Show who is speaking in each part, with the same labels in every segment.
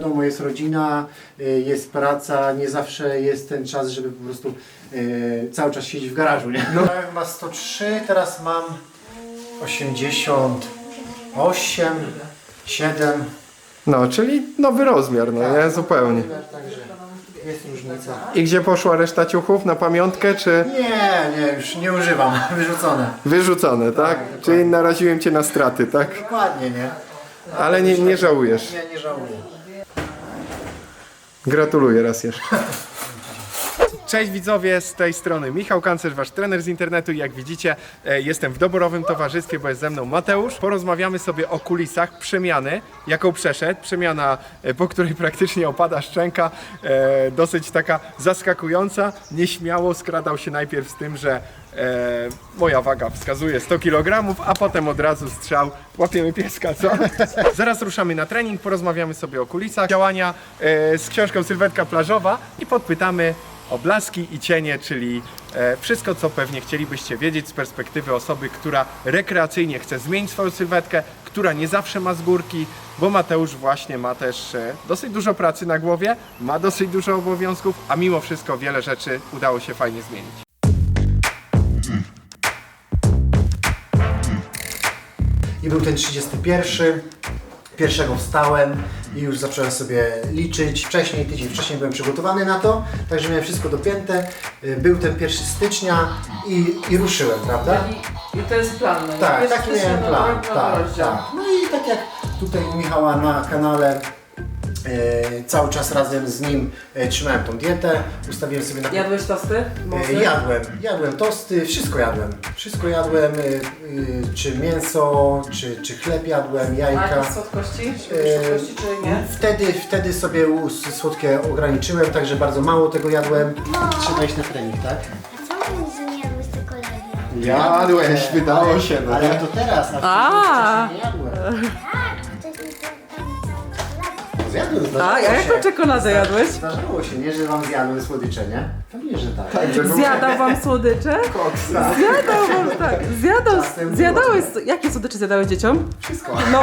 Speaker 1: wiadomo, jest rodzina, jest praca, nie zawsze jest ten czas, żeby po prostu cały czas siedzieć w garażu, nie? No, ma 103, teraz mam 88, 7.
Speaker 2: No, czyli nowy rozmiar, no nie? Zupełnie.
Speaker 1: Także jest różnica.
Speaker 2: I gdzie poszła reszta ciuchów? Na pamiątkę, czy
Speaker 1: Nie, już nie używam, wyrzucone.
Speaker 2: wyrzucone, tak? Czyli naraziłem cię na straty, tak?
Speaker 1: Dokładnie, nie?
Speaker 2: Ale nie żałujesz.
Speaker 1: Nie żałuję.
Speaker 2: Gratuluję raz jeszcze. Cześć widzowie, z tej strony Michał Kancerz, wasz trener z internetu i jak widzicie jestem w doborowym towarzystwie, bo jest ze mną Mateusz. Porozmawiamy sobie o kulisach przemiany, jaką przeszedł. Przemiana, po której praktycznie opada szczęka, dosyć taka zaskakująca. Nieśmiało skradał się najpierw z tym, że moja waga wskazuje 100 kg, a potem od razu strzał, łapiemy pieska, co? Zaraz ruszamy na trening, porozmawiamy sobie o kulisach działania z książką Sylwetka Plażowa i podpytamy o blaski i cienie, czyli wszystko, co pewnie chcielibyście wiedzieć z perspektywy osoby, która rekreacyjnie chce zmienić swoją sylwetkę, która nie zawsze ma z górki, bo Mateusz właśnie ma też dosyć dużo pracy na głowie, ma dosyć dużo obowiązków, a mimo wszystko wiele rzeczy udało się fajnie zmienić.
Speaker 1: I był ten 31. Pierwszego wstałem i już zacząłem sobie liczyć. Tydzień wcześniej byłem przygotowany na to, także miałem wszystko dopięte. Był ten 1 stycznia i ruszyłem, prawda?
Speaker 3: I to jest plan, no nie?
Speaker 1: Tak, taki
Speaker 3: Jesteśmy
Speaker 1: miałem
Speaker 3: na
Speaker 1: plan.
Speaker 3: drogę,
Speaker 1: Tak,
Speaker 3: rozdział.
Speaker 1: tak. No i tak jak tutaj u Michała na kanale cały czas razem z nim trzymałem tą dietę, ustawiłem sobie na...
Speaker 3: Jadłeś tosty?
Speaker 1: Jadłem tosty, wszystko jadłem. Wszystko jadłem, czy mięso, czy chleb jadłem,
Speaker 3: A
Speaker 1: jajka.
Speaker 3: jakieś słodkości? Słodkości czy nie?
Speaker 1: Wtedy sobie słodkie ograniczyłem, także bardzo mało tego jadłem. Trzeba iść na trening, tak?
Speaker 4: A co mówisz, że nie jadłeś czekolady?
Speaker 2: Jadłeś, wydało się, no
Speaker 1: Ale
Speaker 2: nie?
Speaker 1: to teraz,
Speaker 3: A.
Speaker 1: wcześniej nie jadłem.
Speaker 4: Tak, wcześniej to tam całą czekoladę.
Speaker 1: Zjadłem,
Speaker 3: Tak,
Speaker 1: zdarzyło
Speaker 3: a
Speaker 1: się.
Speaker 3: jaką czekoladę jadłeś?
Speaker 1: Zdarzyło się, nie, że wam zjadłem słodycze, nie? Pewnie, że tak.
Speaker 3: Zjadał wam słodycze? Zjadał wam, tak.
Speaker 1: Czasem
Speaker 3: Zjadałeś, jakie słodycze zjadałeś dzieciom?
Speaker 1: Wszystko.
Speaker 3: No,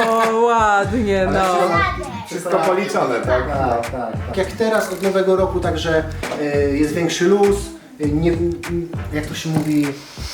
Speaker 3: ładnie, no.
Speaker 2: Wszystko policzone, tak?
Speaker 1: Tak. Jak teraz od nowego roku, także jest większy luz, nie, jak to się mówi,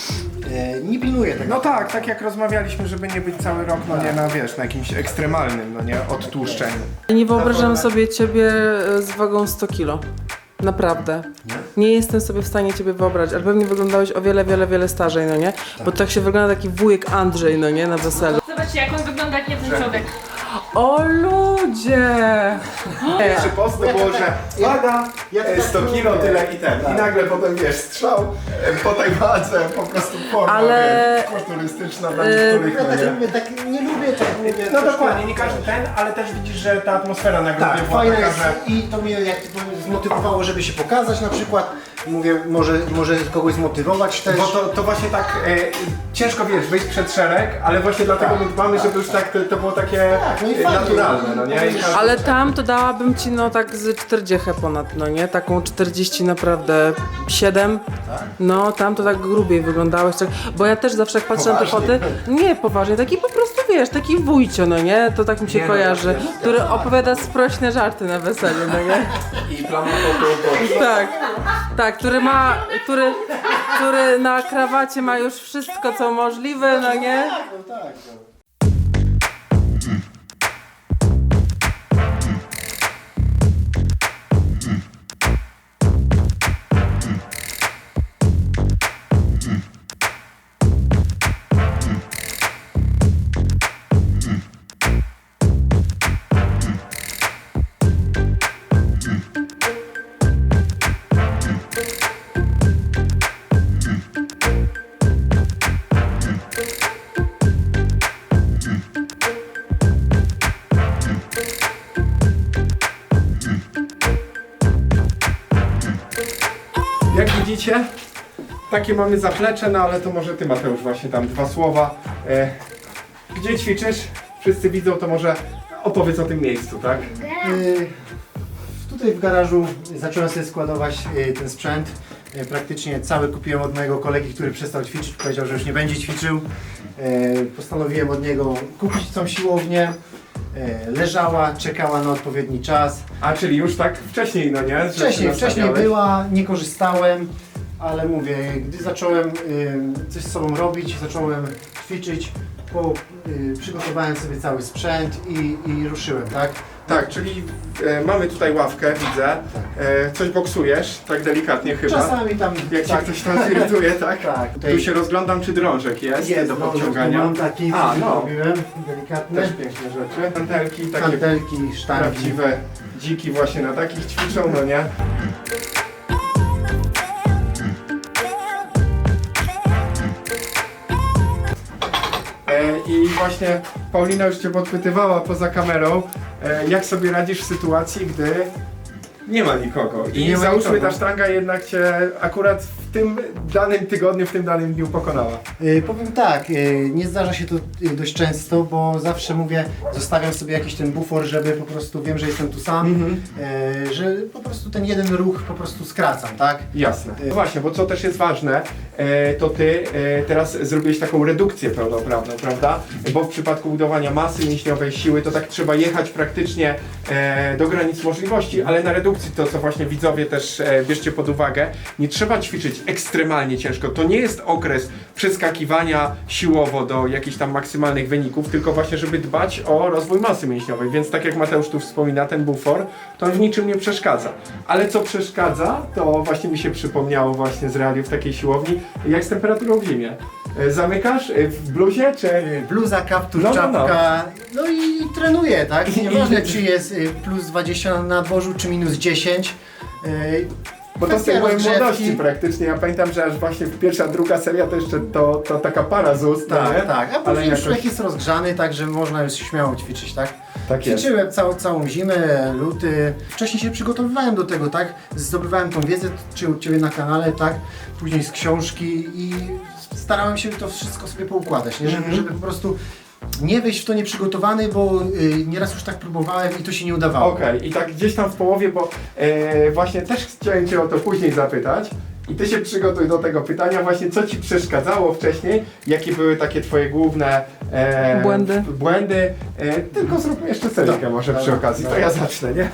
Speaker 1: nie pilnuję tego.
Speaker 2: No tak jak rozmawialiśmy, żeby nie być cały rok, no nie na, wiesz, na jakimś ekstremalnym, no nie, odtłuszczeniu.
Speaker 3: Nie wyobrażam sobie ciebie z wagą 100 kilo. Naprawdę. Nie jestem sobie w stanie ciebie wyobrazić, ale pewnie wyglądałeś o wiele starzej, no nie? Bo tak się wygląda taki wujek Andrzej, no nie? Na weselu.
Speaker 5: Zobaczcie, jak on wygląda, jak nie ten człowiek.
Speaker 3: O ludzie!
Speaker 2: Pierwszy post to było, że waga, 100 kilo, tyle i ten. I nagle potem, wiesz, strzał po tej wadze, po prostu forma,
Speaker 3: Ale-
Speaker 2: wiesz, kulturystyczna dla niektórych,
Speaker 1: Ja
Speaker 2: no
Speaker 1: tak
Speaker 2: nie?
Speaker 1: lubię, tak nie lubię, tak mówię.
Speaker 2: No
Speaker 1: troszkę-
Speaker 2: dokładnie, nie każdy ten, ale też widzisz, że ta atmosfera na grupie
Speaker 1: Tak,
Speaker 2: była
Speaker 1: fajne
Speaker 2: taka,
Speaker 1: jest
Speaker 2: że...
Speaker 1: i to mnie jak to zmotywowało, żeby się pokazać na przykład. Mówię, może kogoś zmotywować też.
Speaker 2: Bo to właśnie tak ciężko, wiesz, wyjść przed szereg, ale właśnie dlatego my dbamy, żeby już tak to było takie
Speaker 1: no i fajnie.
Speaker 2: naturalne, no nie? I każdy-
Speaker 3: Ale tam to dałabym ci no tak z 40 ponad, no nie? Taką 40 naprawdę 7. No tam to tak grubiej wyglądałeś, tak, bo ja też zawsze jak patrzę na te foty, nie poważnie, taki po prostu wiesz, taki wujcio, no nie? To tak mi się
Speaker 2: Nie, no,
Speaker 3: kojarzy,
Speaker 2: jasne.
Speaker 3: który opowiada sprośne żarty na weselu, no nie?
Speaker 2: I plama potu,
Speaker 3: Tak, który na krawacie ma już wszystko co możliwe, no nie?
Speaker 2: Jak widzicie, takie mamy zaplecze, no ale to może ty, Mateusz, właśnie tam dwa słowa. Gdzie ćwiczysz? Wszyscy widzą, to może opowiedz o tym miejscu, tak?
Speaker 1: Tutaj w garażu zacząłem sobie składować ten sprzęt. Praktycznie cały kupiłem od mojego kolegi, który przestał ćwiczyć, powiedział, że już nie będzie ćwiczył. Postanowiłem od niego kupić tą siłownię. leżała, czekała na odpowiedni czas.
Speaker 2: A czyli już tak wcześniej, no nie? Że się
Speaker 1: Wcześniej
Speaker 2: nastawiałeś.
Speaker 1: była, nie korzystałem, ale mówię, gdy zacząłem coś z sobą robić, zacząłem ćwiczyć, przygotowałem sobie cały sprzęt i ruszyłem, tak?
Speaker 2: Tak, czyli mamy tutaj ławkę, widzę. Coś boksujesz, tak delikatnie chyba.
Speaker 1: Czasami tam
Speaker 2: Jak
Speaker 1: tak,
Speaker 2: cię ktoś tam irytuje, tak?
Speaker 1: tak.
Speaker 2: Tu się rozglądam, czy drążek jest, do podciągania.
Speaker 1: Mam taki,
Speaker 2: A, no.
Speaker 1: robiłem, delikatny.
Speaker 2: Też piękne rzeczy. Kantelki, takie
Speaker 1: Kantelki, sztangi.
Speaker 2: prawdziwe dziki właśnie na takich ćwiczą, no nie? I właśnie Paulina już Cię podpytywała poza kamerą, jak sobie radzisz w sytuacji, gdy nie ma nikogo. I
Speaker 1: nie ma
Speaker 2: załóżmy
Speaker 1: nikogo.
Speaker 2: ta sztanga jednak Cię akurat w tym danym tygodniu, w tym danym dniu pokonała.
Speaker 1: Powiem tak, nie zdarza się to dość często, bo zawsze mówię, zostawiam sobie jakiś ten bufor, żeby po prostu wiem, że jestem tu sam, że po prostu ten jeden ruch po prostu skracam, tak?
Speaker 2: Jasne. No właśnie, bo co też jest ważne, to Ty teraz zrobiłeś taką redukcję pełnoprawną, prawda? Bo w przypadku budowania masy mięśniowej, siły, to tak trzeba jechać praktycznie do granic możliwości, ale na redukcji to, co właśnie widzowie też bierzcie pod uwagę, nie trzeba ćwiczyć ekstremalnie ciężko. To nie jest okres przeskakiwania siłowo do jakichś tam maksymalnych wyników, tylko właśnie, żeby dbać o rozwój masy mięśniowej. Więc tak jak Mateusz tu wspomina, ten bufor, to on w niczym nie przeszkadza. Ale co przeszkadza, to właśnie mi się przypomniało właśnie z realiów takiej siłowni, jak z temperaturą w zimie. Zamykasz w bluzie, czy...
Speaker 1: Bluza, kaptur,
Speaker 2: No,
Speaker 1: czapka, no i trenuję, tak? Nieważne
Speaker 2: I-
Speaker 1: czy jest plus 20 na dworzu, czy minus 10.
Speaker 2: Bo to z tej
Speaker 1: Kwestia
Speaker 2: mojej
Speaker 1: rozgrzewki.
Speaker 2: młodości praktycznie. Ja pamiętam, że aż właśnie pierwsza, druga seria to jeszcze to taka para z ust, no nie?
Speaker 1: Tak, tak. A
Speaker 2: Ale
Speaker 1: później już
Speaker 2: jakoś...
Speaker 1: człowiek jest rozgrzany, także można już śmiało ćwiczyć, tak?
Speaker 2: Tak jest.
Speaker 1: Ćwiczyłem całą zimę, luty. Wcześniej się przygotowywałem do tego, tak? Zdobywałem tą wiedzę, czy u Ciebie na kanale, tak? Później z książki i starałem się to wszystko sobie poukładać, nie? Żeby po prostu nie wejść w to nieprzygotowany, bo nieraz już tak próbowałem i to się nie udawało.
Speaker 2: Okej, i tak gdzieś tam w połowie, bo właśnie też chciałem Cię o to później zapytać. I Ty się przygotuj do tego pytania właśnie, co Ci przeszkadzało wcześniej, jakie były takie Twoje główne błędy. Tylko zróbmy jeszcze serię może przy okazji, to ja zacznę, nie?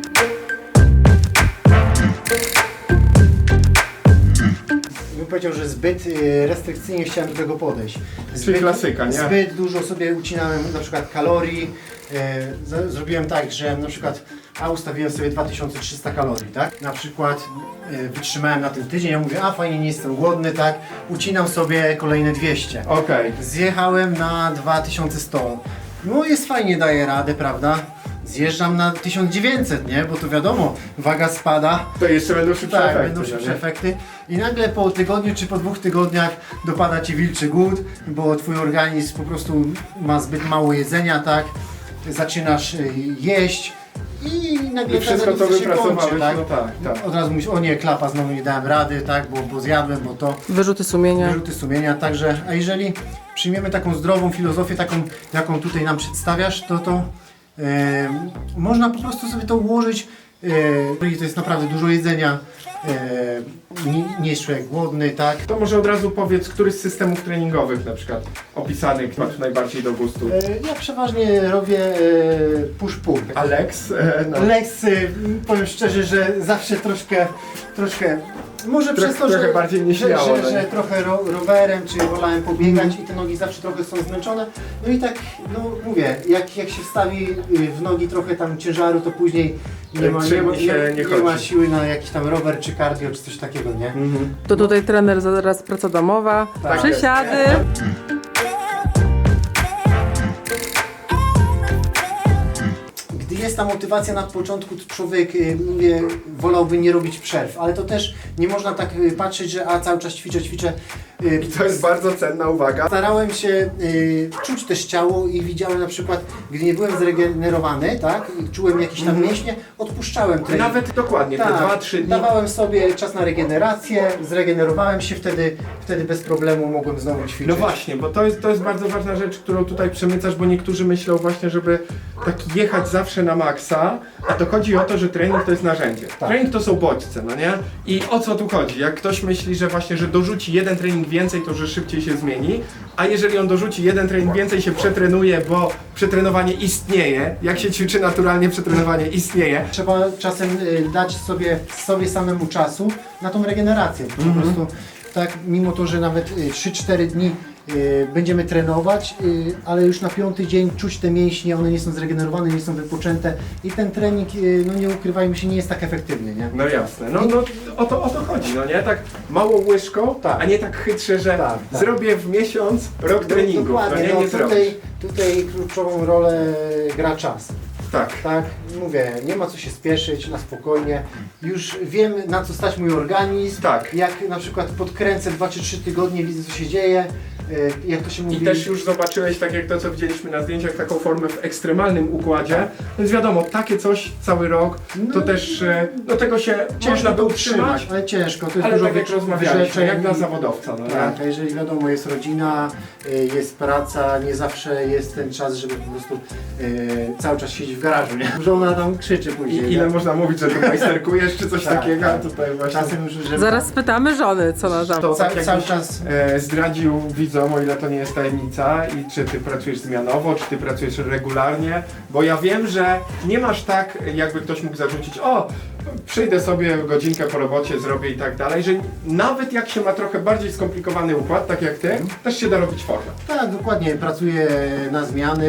Speaker 1: Bym powiedział, że zbyt restrykcyjnie chciałem do tego podejść.
Speaker 2: Czyli klasyka, nie?
Speaker 1: Zbyt dużo sobie ucinałem na przykład kalorii. Zrobiłem tak, że na przykład ustawiłem sobie 2300 kalorii, tak? Na przykład wytrzymałem na ten tydzień, ja mówię, fajnie, nie jestem głodny, tak? Ucinam sobie kolejne 200.
Speaker 2: Okej.
Speaker 1: Zjechałem na 2100. No jest fajnie, daję radę, prawda? Zjeżdżam na 1900, nie? Bo to wiadomo, waga spada.
Speaker 2: To jeszcze będą szybsze
Speaker 1: Tak,
Speaker 2: efekty.
Speaker 1: będą
Speaker 2: no
Speaker 1: szybsze
Speaker 2: nie?
Speaker 1: efekty. I nagle po tygodniu czy po 2 tygodniach dopada Ci wilczy głód, bo Twój organizm po prostu ma zbyt mało jedzenia, tak? Zaczynasz jeść i nagle
Speaker 2: I wszystko
Speaker 1: ta
Speaker 2: co
Speaker 1: redukcja się
Speaker 2: wypracowałeś,
Speaker 1: kończy, tak?
Speaker 2: no tak.
Speaker 1: Od razu mówisz, o nie, klapa, znowu nie dałem rady, tak? Bo zjadłem, bo to...
Speaker 3: Wyrzuty sumienia.
Speaker 1: Wyrzuty sumienia, także, a jeżeli przyjmiemy taką zdrową filozofię, taką jaką tutaj nam przedstawiasz, to można po prostu sobie to ułożyć, to jest naprawdę dużo jedzenia, nie jest człowiek głodny, tak?
Speaker 2: To może od razu powiedz, który z systemów treningowych na przykład opisanych masz najbardziej do gustu?
Speaker 1: Ja przeważnie robię push-pull.
Speaker 2: Alex? No.
Speaker 1: Lex, powiem szczerze, że zawsze troszkę może przez to,
Speaker 2: trochę
Speaker 1: że,
Speaker 2: bardziej nieśmiało, no
Speaker 1: że
Speaker 2: nie?
Speaker 1: trochę rowerem, czy wolałem pobiegać i te nogi zawsze trochę są zmęczone. No i tak, no mówię, jak się wstawi w nogi trochę tam ciężaru, to później nie ma
Speaker 2: chodzi.
Speaker 1: siły na jakiś tam rower, czy cardio, czy coś takiego, nie?
Speaker 3: To tutaj trener zaraz praca domowa,
Speaker 1: Tak.
Speaker 3: przysiady.
Speaker 1: Gdy jest ta motywacja na początku, to człowiek, mówię, wolałby nie robić przerw, ale to też nie można tak patrzeć, że cały czas ćwiczę.
Speaker 2: I to jest bardzo cenna uwaga.
Speaker 1: Starałem się czuć też ciało i widziałem na przykład, gdy nie byłem zregenerowany, tak, i czułem jakieś tam mięśnie, odpuszczałem trening.
Speaker 2: Nawet dokładnie, te
Speaker 1: Tak,
Speaker 2: 2-3 dni.
Speaker 1: dawałem sobie czas na regenerację, zregenerowałem się, wtedy bez problemu mogłem znowu ćwiczyć.
Speaker 2: No właśnie, bo to jest bardzo ważna rzecz, którą tutaj przemycasz, bo niektórzy myślą właśnie, żeby tak jechać zawsze na maksa, a to chodzi o to, że trening to jest narzędzie.
Speaker 1: Tak.
Speaker 2: Trening to są bodźce, no nie? I o co tu chodzi? Jak ktoś myśli, że właśnie, że dorzuci jeden trening trening więcej, to że szybciej się zmieni, a jeżeli on dorzuci jeden trening więcej, się przetrenuje, bo przetrenowanie istnieje, jak się ćwiczy naturalnie, przetrenowanie istnieje.
Speaker 1: Trzeba czasem dać sobie samemu czasu na tą regenerację. Po prostu tak, mimo to, że nawet 3-4 dni będziemy trenować, ale już na 5. dzień czuć te mięśnie, one nie są zregenerowane, nie są wypoczęte i ten trening, no nie ukrywajmy się, nie jest tak efektywny, nie?
Speaker 2: No jasne, no o to chodzi, no nie? Tak mało łyżką,
Speaker 1: Tak.
Speaker 2: a nie tak chytrze, że
Speaker 1: Tak, tak.
Speaker 2: zrobię w miesiąc rok treningów,
Speaker 1: Dokładnie,
Speaker 2: no nie zrobisz.
Speaker 1: tutaj kluczową rolę gra czas.
Speaker 2: Tak.
Speaker 1: Tak, mówię, nie ma co się spieszyć, na spokojnie. Już wiem, na co stać mój organizm.
Speaker 2: Tak.
Speaker 1: Jak na przykład podkręcę 2 czy 3 tygodnie, widzę co się dzieje, jak to się mówi.
Speaker 2: I też już zobaczyłeś, tak jak to, co widzieliśmy na zdjęciach, taką formę w ekstremalnym układzie. Więc wiadomo, takie coś cały rok, to też, no tego się można by utrzymać.
Speaker 1: ale ciężko. To jest
Speaker 2: Ale
Speaker 1: dużo
Speaker 2: tak jak rozmawialiśmy,
Speaker 1: wyrzeczeń
Speaker 2: jak dla
Speaker 1: i-
Speaker 2: zawodowca, no
Speaker 1: Tak,
Speaker 2: nie?
Speaker 1: a jeżeli wiadomo, jest rodzina, jest praca, nie zawsze jest ten czas, żeby po prostu cały czas siedzieć w garażu, nie? Żona tam krzyczy później.
Speaker 2: I ile
Speaker 1: nie?
Speaker 2: można mówić, że tu majsterkujesz, czy coś
Speaker 1: Tak,
Speaker 2: takiego,
Speaker 1: tak.
Speaker 2: a tutaj właśnie...
Speaker 1: Czasem już, żeby
Speaker 3: Zaraz spytamy żony, co na tam.
Speaker 2: To tak
Speaker 1: cały
Speaker 2: jakbyś
Speaker 1: czas.
Speaker 2: zdradził widzom, o ile to nie jest tajemnica, i czy ty pracujesz zmianowo, czy ty pracujesz regularnie, bo ja wiem, że nie masz tak, jakby ktoś mógł zarzucić, o, przyjdę sobie godzinkę po robocie, zrobię i tak dalej, że nawet jak się ma trochę bardziej skomplikowany układ, tak jak ty, też się da robić formę.
Speaker 1: Tak, dokładnie. Pracuję na zmiany,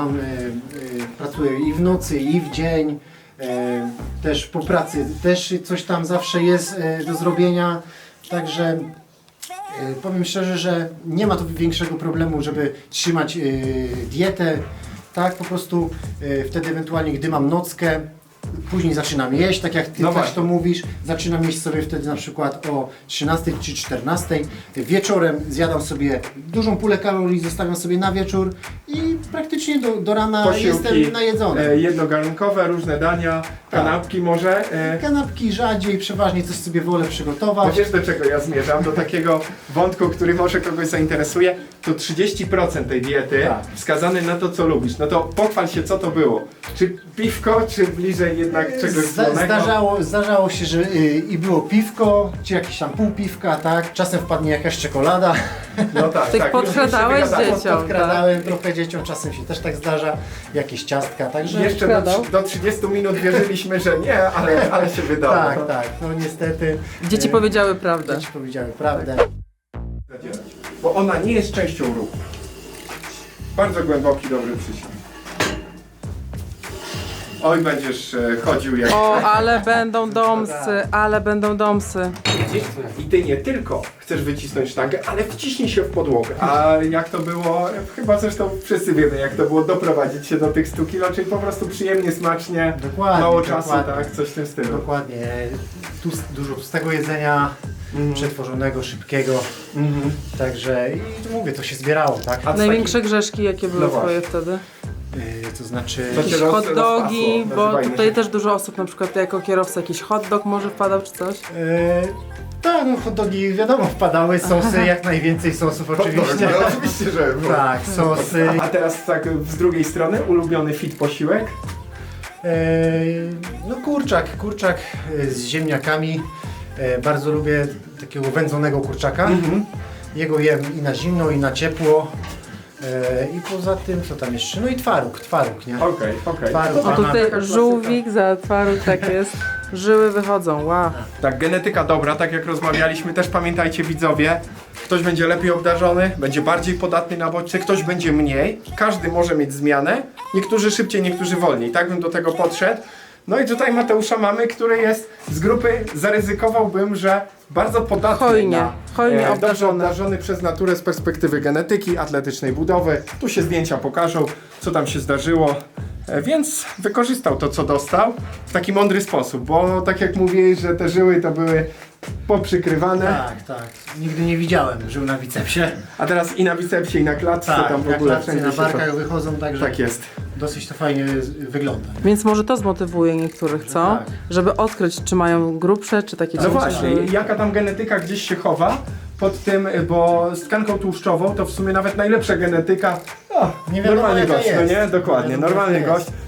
Speaker 1: pracuję i w nocy, i w dzień. Też po pracy też coś tam zawsze jest do zrobienia. Także powiem szczerze, że nie ma tu większego problemu, żeby trzymać dietę. Tak, po prostu wtedy ewentualnie, gdy mam nockę, później zaczynam jeść, tak jak ty
Speaker 2: No
Speaker 1: też
Speaker 2: właśnie.
Speaker 1: to mówisz. Zaczynam jeść sobie wtedy na przykład o 13 czy 14. Wieczorem zjadam sobie dużą pulę kalorii, zostawiam sobie na wieczór i praktycznie do rana jestem najedzony.
Speaker 2: Jednogarnkowe, różne dania, kanapki może.
Speaker 1: Kanapki rzadziej, przeważnie coś sobie wolę
Speaker 2: Bo
Speaker 1: przygotować.
Speaker 2: wiesz, do czego ja zmierzam? Do takiego wątku, który może kogoś zainteresuje. To 30% tej diety
Speaker 1: Tak.
Speaker 2: wskazane na to, co lubisz. No to pochwal się, co to było. Czy piwko, czy bliżej jednak czegoś słonego?
Speaker 1: Zdarzało się, że i było piwko, czy jakieś tam pół piwka, tak? Czasem wpadnie jakaś czekolada.
Speaker 2: No tak,
Speaker 3: Tych
Speaker 2: tak.
Speaker 3: podkradałeś
Speaker 2: już się wygadało.
Speaker 3: dzieciom.
Speaker 1: Podkradałem trochę dzieciom, czasem się też tak zdarza. Jakieś ciastka, także...
Speaker 2: Jeszcze
Speaker 3: Wkradał.
Speaker 2: do 30 minut wierzyliśmy, że nie, ale się wydało.
Speaker 1: Tak, tak, no niestety.
Speaker 3: Dzieci powiedziały prawdę.
Speaker 1: Dzieci powiedziały prawdę.
Speaker 2: Bo ona nie jest częścią ruchu. Bardzo głęboki, dobry przysiad. Oj, będziesz chodził jak...
Speaker 3: O, ale będą domsy, ale będą domsy.
Speaker 2: I ty nie tylko chcesz wycisnąć sztangę, ale wciśnij się w podłogę. A jak to było, chyba zresztą wszyscy wiemy, jak to było doprowadzić się do tych 100 kilo, czyli po prostu przyjemnie, smacznie,
Speaker 1: Dokładnie,
Speaker 2: mało czasu,
Speaker 1: dokładnie.
Speaker 2: tak? Coś w tym stylu.
Speaker 1: Dokładnie. Dużo tłustego jedzenia, przetworzonego, szybkiego. Także i tu mówię, to się zbierało, tak?
Speaker 2: A z
Speaker 3: Największe grzeszki, jakie były
Speaker 2: No
Speaker 3: twoje
Speaker 2: właśnie.
Speaker 3: wtedy?
Speaker 1: To znaczy...
Speaker 2: To się
Speaker 3: Jakieś
Speaker 2: roz-
Speaker 3: hot dogi,
Speaker 2: rozpasło,
Speaker 3: bo
Speaker 2: nazywajmy
Speaker 3: tutaj
Speaker 2: się.
Speaker 3: też dużo osób, na przykład ty jako kierowca, jakiś hot dog może wpadał czy coś?
Speaker 1: Tak, no hot dogi wiadomo wpadały, sosy, jak najwięcej sosów oczywiście.
Speaker 2: No, oczywiście, że było.
Speaker 1: Tak, sosy.
Speaker 2: A teraz tak z drugiej strony, ulubiony fit posiłek.
Speaker 1: No kurczak z ziemniakami. Bardzo lubię takiego wędzonego kurczaka. Jego jem i na zimno, i na ciepło. I poza tym, co tam jeszcze? No i twaróg, nie?
Speaker 2: Okej.
Speaker 1: Twaróg,
Speaker 3: O
Speaker 1: banana.
Speaker 3: tutaj żółwik za twaróg, tak jest. Żyły wychodzą, wow.
Speaker 2: Tak, genetyka dobra, tak jak rozmawialiśmy, też pamiętajcie widzowie, ktoś będzie lepiej obdarzony, będzie bardziej podatny na bodźce, ktoś będzie mniej, każdy może mieć zmianę, niektórzy szybciej, niektórzy wolniej, tak bym do tego podszedł. No i tutaj Mateusza mamy, który jest z grupy, zaryzykowałbym, że bardzo podatny
Speaker 3: Hojnie
Speaker 2: dobrze
Speaker 3: obdarzony.
Speaker 2: obdarzony przez naturę z perspektywy genetyki, atletycznej budowy. Tu się zdjęcia pokażą, co tam się zdarzyło. Więc wykorzystał to, co dostał w taki mądry sposób, bo tak jak mówiłeś, że te żyły to były poprzykrywane,
Speaker 1: Tak. Nigdy nie widziałem żył na bicepsie.
Speaker 2: a teraz i na bicepsie, i na klatce,
Speaker 1: Tak,
Speaker 2: tam w
Speaker 1: na
Speaker 2: ogóle
Speaker 1: klatce,
Speaker 2: wszędzie
Speaker 1: na
Speaker 2: się
Speaker 1: barkach
Speaker 2: to...
Speaker 1: wychodzą, także
Speaker 2: Tak jest.
Speaker 1: dosyć to fajnie wygląda.
Speaker 3: Więc może to zmotywuje niektórych, co?
Speaker 1: Tak.
Speaker 3: Żeby odkryć, czy mają grubsze, czy takie
Speaker 2: No
Speaker 3: cienkie
Speaker 2: właśnie,
Speaker 3: żyły.
Speaker 2: jaka tam genetyka gdzieś się chowa pod tym, bo z tkanką tłuszczową to w sumie nawet najlepsza genetyka,
Speaker 1: Nie wiadomo,
Speaker 2: normalny
Speaker 1: jaka
Speaker 2: gość, no
Speaker 1: jest.
Speaker 2: nie? Dokładnie,
Speaker 1: Nie wiadomo,
Speaker 2: normalny
Speaker 1: jaka
Speaker 2: gość.
Speaker 1: jest.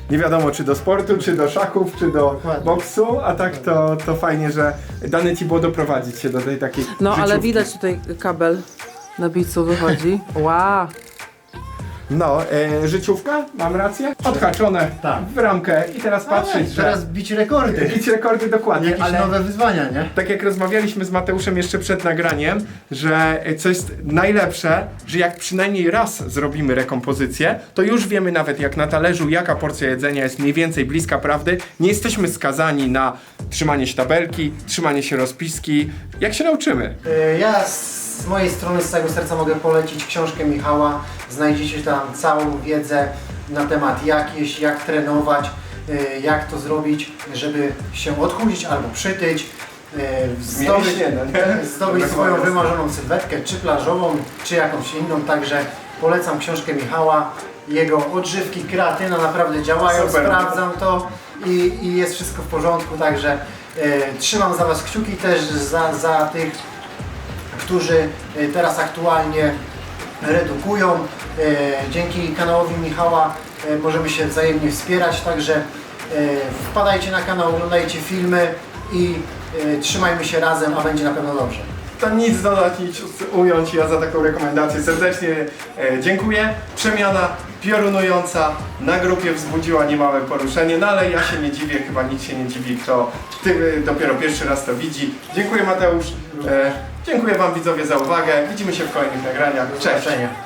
Speaker 2: nie wiadomo czy do sportu, czy do szachów, czy do
Speaker 1: Dokładnie.
Speaker 2: boksu, a tak to fajnie, że dane ci było doprowadzić się do tej takiej
Speaker 3: No ale
Speaker 2: życiówki.
Speaker 3: widać tutaj kabel na bicu wychodzi. Wow.
Speaker 2: No, życiówka, mam rację? Odhaczone
Speaker 1: Tak.
Speaker 2: w ramkę i teraz patrzeć, że...
Speaker 1: Teraz bić rekordy.
Speaker 2: Bić rekordy dokładnie,
Speaker 1: Jakieś
Speaker 2: ale...
Speaker 1: nowe wyzwania, nie?
Speaker 2: Tak jak rozmawialiśmy z Mateuszem jeszcze przed nagraniem, że co jest najlepsze, że jak przynajmniej raz zrobimy rekompozycję, to już wiemy nawet jak na talerzu, jaka porcja jedzenia jest mniej więcej bliska prawdy. Nie jesteśmy skazani na trzymanie się tabelki, trzymanie się rozpiski. Jak się nauczymy?
Speaker 1: Ja z mojej strony z całego serca mogę polecić książkę Michała. Znajdziecie tam całą wiedzę na temat jak jeść, jak trenować, jak to zrobić, żeby się odchudzić albo przytyć,
Speaker 2: Mięśnie, no nie?
Speaker 1: zdobyć swoją wymarzoną sylwetkę, czy plażową, czy jakąś inną. Także polecam książkę Michała. Jego odżywki, kreatyna naprawdę działają,
Speaker 2: Super.
Speaker 1: sprawdzam to i jest wszystko w porządku. Także trzymam za Was kciuki też za tych, którzy teraz aktualnie redukują. Dzięki kanałowi Michała możemy się wzajemnie wspierać, także wpadajcie na kanał, oglądajcie filmy i trzymajmy się razem, a będzie na pewno dobrze.
Speaker 2: To nic dodać, nic ująć. Ja za taką rekomendację serdecznie dziękuję. Przemiana piorunująca na grupie wzbudziła niemałe poruszenie, no ale ja się nie dziwię, chyba nikt się nie dziwi, kto dopiero pierwszy raz to widzi. Dziękuję Mateusz. Dziękuję Wam widzowie za uwagę. Widzimy się w kolejnych nagraniach. Cześć!
Speaker 1: Zobaczenia.